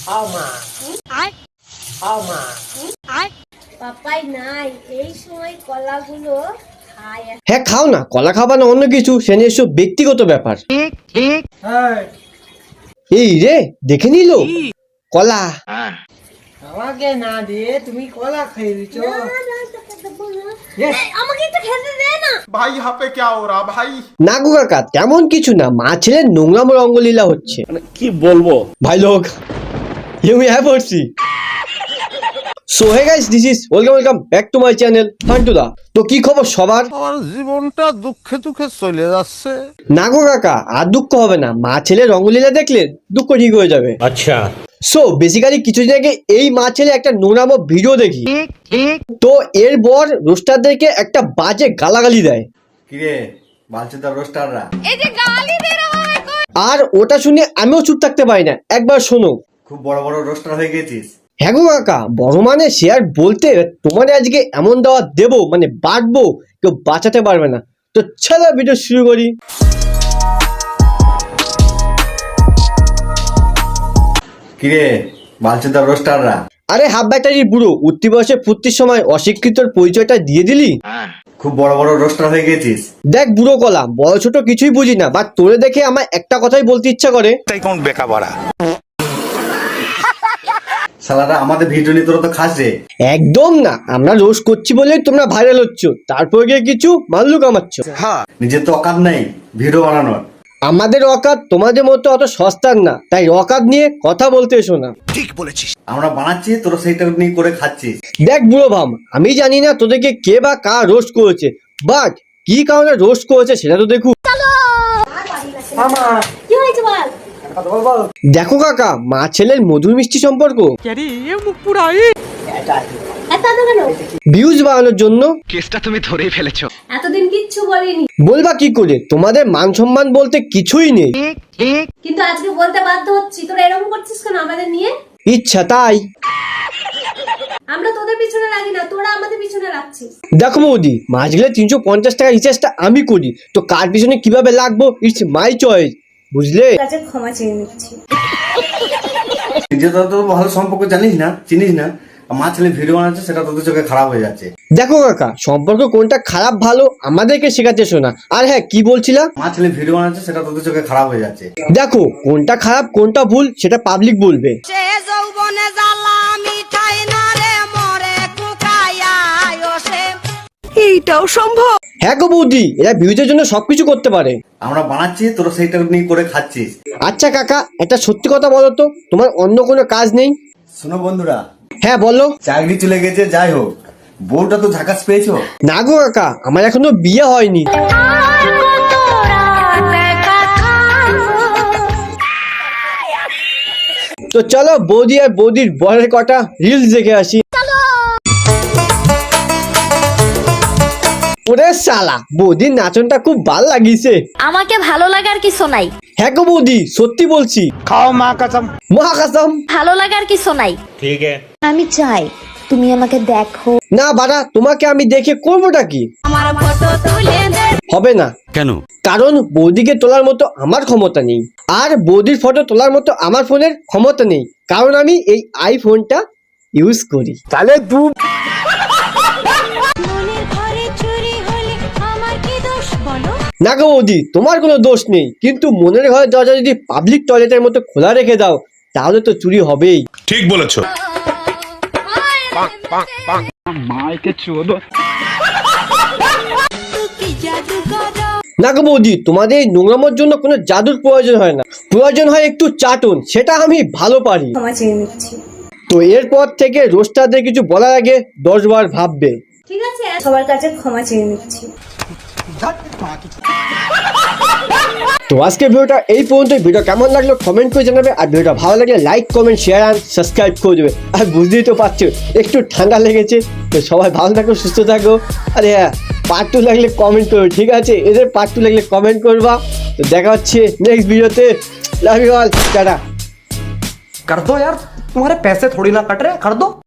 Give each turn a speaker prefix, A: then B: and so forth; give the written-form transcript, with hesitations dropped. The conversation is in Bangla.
A: আমা আমা
B: পাপাই নাই এই সময় কলাগুলো খায়।
C: হ্যাঁ খাও না, কলা খাবা না অন্য কিছু, সে নিয়ে এসব ব্যক্তিগত ব্যাপার। এই রে দেখে নিল কলা।
A: আমাকে না দিয়ে তুমি কলা খেয়ে দিচ্ছ।
B: আমাকে একটু খেতে দে না।
D: भाई यहाँ पे क्या हो रहा भाई?
C: না গো কাকা, তেমন কিছু না, মা ছেলের নোংরাম রঙ্গলীলা হচ্ছে।
E: কি বলবো
C: ভাই লোক ইউ হ্যাভ পড়ছি। So hey guys, this is welcome back to my channel Fantuda. তো কি খবর সবার?
F: আমার জীবনটা দুঃখে দুঃখে চলে যাচ্ছে।
C: না গো কাকা, আর দুঃখ হবে না, মা ছেলের রঙ্গলীলা দেখলে দুঃখ ঠিক হয়ে যাবে।
E: আচ্ছা
C: সো বেসিক্যালি কিছুদিন আগে এই মা ছেলে একটা নোংরামো ভিডিও দেখি, তো এর পর রোস্টারদেরকে একটা বাজে গালাগালি দেয়।
G: কিরে বালচুদা রোস্টাররা,
B: এই যে গালি দে রে ভাই।
C: আর ওটা শুনে আমিও চুপ থাকতে পারি না, একবার শোনো।
G: খুব বড় বড় রোস্টার হয়ে গেছিস।
C: হ্যাঁ গো কাকা, বড় মানে সে আর বলতে, তোমার আজকে এমন দাওয়া দেবো মানে বাটবো, কেউ বাঁচাতে পারবে না। তো চলো ভিডিও শুরু করি।
G: কিরে বালচুদা রোস্টাররা,
C: আরে হাফ ব্যাটারির বুড়ো, উঠতি বয়সে ফুর্তির সময় অশিক্ষিতর পরিচয়টা দিয়ে দিলি।
G: খুব বড় বড় রোস্টার হয়ে গেছিস।
C: দেখ বুড়ো কলা, বড় ছোট কিছুই বুঝি না, বাট তোরে দেখে আমার একটা কথাই বলতে ইচ্ছা করে।
G: শালারা আমাদের ভিডিও নিয়ে তোরা তো খাস রে।
C: একদম না, আমরা রোজ করছি বলেই তোমরা ভাইরাল হচ্ছ, তারপর গিয়ে কিছু মাল্লু কামাচ্ছ।
G: নিজের তো অকাত নেই ভিডিও বানানোর।
C: আমাদের অকাত তোমাদের মতো অত সস্তার না, তাই অকাত নিয়ে কথা বলতে এসো না।
G: আমরা বানাচ্ছি, তোরা সেইটা নিয়ে করে খাচ্ছিস।
C: দেখ বুড়ো ভাম, আমি জানি না তোদেরকে কে বা কার রোস্ট করেছে, বাট কি কারণে রোস্ট করেছে সেটা তো দেখু।
A: আমা
B: কি হয়েছে বল?
A: বল বল।
C: দেখো কাকা, মা ছেলের মধুর মিষ্টি সম্পর্ক
B: এত এত কেন?
C: ভিউজ বাড়ানোর জন্য।
B: এতদিন কিচ্ছু বলিনি,
C: বলবা কি করে, তোমাদের মান সম্মান বলতে কিছুই নেই।
B: কিন্তু আজকে বলতে বাধ্য হচ্ছি। তোরা এরকম করছিস কেন আমাদের নিয়ে?
C: ইচ্ছা তাই।
B: আমরা তোদের পিছনে লাগি না, তোরা আমাদের পিছনে লাগছিস।
C: দেখো বৌদি, মাস গেলে 350 টাকা রিচার্জটা আমি করি, তো কার পিছনে কিভাবে লাগবো ইটস মাই চয়েস, বুঝলে?
B: কাছে ক্ষমা চেয়ে নিচ্ছি।
G: নিজে তো ভালো সম্পর্ক জানিস না, চিনিস না। মা ছেলে ভিডিও বানাচ্ছে, সেটা তোদের চোখে খারাপ হয়ে যাচ্ছে।
C: দেখো কাকা, সম্পর্ক কোনটা খারাপ ভালো আমাদেরকে শেখাতে শোনা। আর হ্যাঁ, কি বলছিলা?
G: মা ছেলে ভিডিও বানাচ্ছে, সেটা তোদের চোখে খারাপ হয়ে যাচ্ছে।
C: দেখো কোনটা খারাপ কোনটা ভুল সেটা পাবলিক বলবে।
B: এইটাও সম্ভব?
C: হ্যাঁ গো বৌদি, এরা ভিউজের জন্য সবকিছু করতে পারে।
G: আমরা বানাচ্ছি, তোরা সেইটা নিয়ে করে খাচ্ছিস।
C: আচ্ছা কাকা, একটা সত্যি কথা বলো তো, তোমার অন্য কোনো কাজ নেই?
G: শোনো বন্ধুরা,
C: হ্যাঁ বলো।
G: চাকরি চলে গেছে, যাই হোক, বউটা তো ঝাকাস পেয়েছো।
C: না গো কাকা, আমার এখনো বিয়ে হয়নি। তো চলো বৌদি আর বৌদির বরের কটা রিলস দেখে আসি। ওরে শালা, বৌদির নাচনটা খুব ভালো লাগিছে।
H: আমাকে ভালো লাগার কিছু নাই।
C: হ্যাঁ গো বৌদি, সত্যি বলছি।
E: খাও মা কসম।
C: মা কসম।
H: ভালো লাগার কিছু নাই।
E: ঠিক আছে
H: আমি চাই তুমি আমাকে দেখো।
C: না বাড়া, তোমাকে আমি দেখে করবোটা কি?
B: আমার ফটো তুলে দে।
C: হবে না।
E: কেন?
C: কারণ বৌদিকে তোলার মতো আমার ক্ষমতা নেই, আর বৌদির ফটো তোলার মতো আমার ফোনের ক্ষমতা নেই, কারণ আমি এই আইফোনটা ইউজ করি।
E: তাহলে দু
B: মনের ঘরে চুরি হলে আমার কি দোষ বলো?
C: না গো বৌদি, তোমার কোনো দোষ নেই, কিন্তু মনের ঘরের দরজা যদি পাবলিক টয়লেটের মতো খোলা রেখে দাও, তাহলে তো চুরি হবেই।
D: ठीक बोलेছো।
C: না গো বৌদি, তোমাদের এই নোংরামোর জন্য কোনো জাদুর প্রয়োজন হয় না, প্রয়োজন হয় একটু চাটুন, সেটা আমি ভালো পারি।
B: ক্ষমা চেয়ে নিচ্ছি।
C: তো এরপর থেকে রোস্টারদের কিছু বলার আগে 10 বার ভাববে।
B: ঠিক আছে, সবার কাছে ক্ষমা চেয়ে নিচ্ছি।
C: তো আজকে ভিডিওটা এই পর্যন্ত। ভিডিও কেমন লাগলো কমেন্ট করে জানাবে, আর ভিডিওটা ভালো লাগলে লাইক কমেন্ট শেয়ার আর সাবস্ক্রাইব করে দেবে। আর বুঝতেই তো পারছো একটু ঠান্ডা লেগেছে, তো সবাই ভালো থাকো, সুস্থ থাকো। আরে হ্যাঁ, পার্ট 2 লাগলে কমেন্ট করবে, ঠিক আছে? এদের পার্ট 2 লাগলে কমেন্ট করবা। তো দেখা হচ্ছে নেক্সট ভিডিওতে। Love you all, tata.
A: कर दो यार, तुम्हारे पैसे थोड़ी ना कट रहे, कर दो।